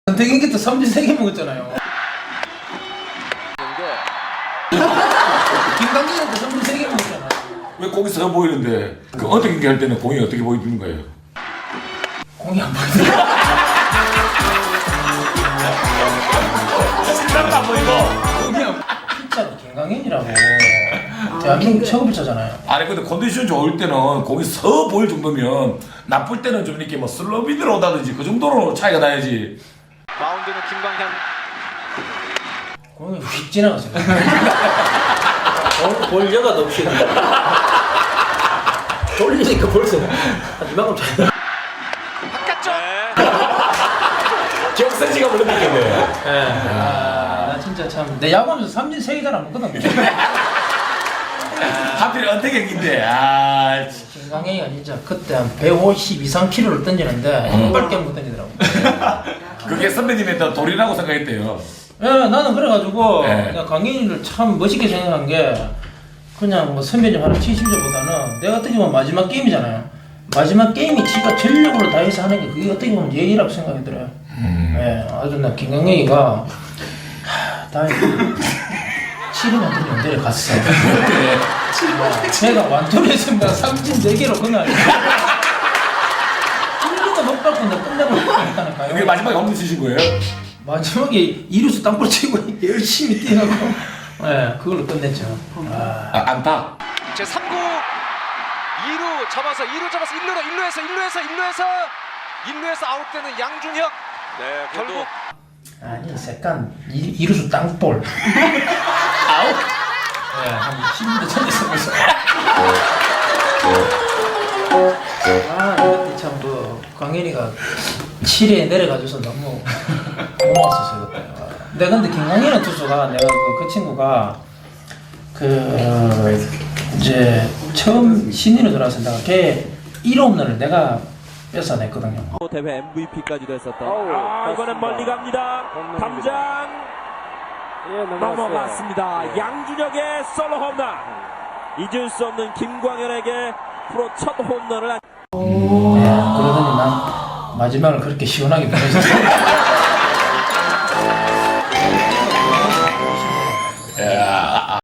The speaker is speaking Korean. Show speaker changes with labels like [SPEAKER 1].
[SPEAKER 1] 선택인기도 삼진 3개 먹었잖아요. 김광진한테 삼진 3개 먹었잖아.
[SPEAKER 2] 왜 공이 서 보이는데 그 어떻게 경기할 때는 공이 어떻게 보이는 거예요?
[SPEAKER 1] 공이 안 보이더라.
[SPEAKER 2] 진짜로 안 보이고.
[SPEAKER 1] 공이 안 피자도 김광현이라고. 대한민국 최고 피자잖아요.
[SPEAKER 2] 아니 근데 컨디션 좋을 때는 공이 서 보일 정도면 나쁠 때는 좀 이렇게 뭐 슬로비드로 오다든지 그 정도로 차이가 나야지.
[SPEAKER 3] 마운드는 김광현.
[SPEAKER 1] 공이 휙 지나갔어요.
[SPEAKER 4] 볼 여가도 없이 돌리니까 벌써 한 이만큼 차이.
[SPEAKER 3] 바깥쪽.
[SPEAKER 2] 기억사지가 물어봤겠네.
[SPEAKER 1] 나 진짜 참 내 야구하면서 삼진 3개 잘 안 먹거든.
[SPEAKER 2] 하필 어떻게 경기인데 아.
[SPEAKER 1] 김광현이가 진짜 그때 한 150 이상 키로를 던지는데 이빨 깨면 못 던지더라고.
[SPEAKER 2] 그게 선배님의 더 돌이라고 생각했대요.
[SPEAKER 1] 예, 나는 그래가지고
[SPEAKER 2] 네.
[SPEAKER 1] 그냥 강인이를 참 멋있게 생각한 게 그냥 뭐 선배님 하나 70점보다는 내가 어떻게 보면 마지막 게임이잖아요. 마지막 게임이 지가 전력으로 다해서 하는 게 그게 어떻게 보면 예의라고 생각이 들어요. 예, 아주 나 김광현이가 다행히 7회만 던지면 내려갔어. 제가 완투했습니다. 삼진 4개로 그날 1루가 못 밟고 나 끝내고 있다니까요.
[SPEAKER 2] 그게 마지막에 홈런 치신 거예요?
[SPEAKER 1] 마지막에 이루수 땅볼 치고 열심히 뛰어가고 네, 그걸로 끝냈죠.
[SPEAKER 2] 안타.
[SPEAKER 3] 제 3구 2루 잡아서 1루에서 아웃되는 양준혁. 네, 결국
[SPEAKER 1] 아니 색간 이루수 땅볼 아웃. 네, 한 10분 전에서 벌써. 이때 참 그 광현이가 7회에 내려가줘서 너무 고마웠었어요 그때. 근데 김광현의 투수가 내가 그 친구가 이제 처음 신인으로 들어와서 내가 걔 1홈런을 내가 뺏어냈거든요.
[SPEAKER 5] 대회 MVP까지도 했었던. 이번엔 멀리 갑니다. 담장 넘어갔습니다. 양준혁의 솔로 홈런. 잊을 수 없는 김광현에게 프로 첫 홈런을.
[SPEAKER 1] 그러더니 난 마지막을 그렇게 시원하게 보내줬어.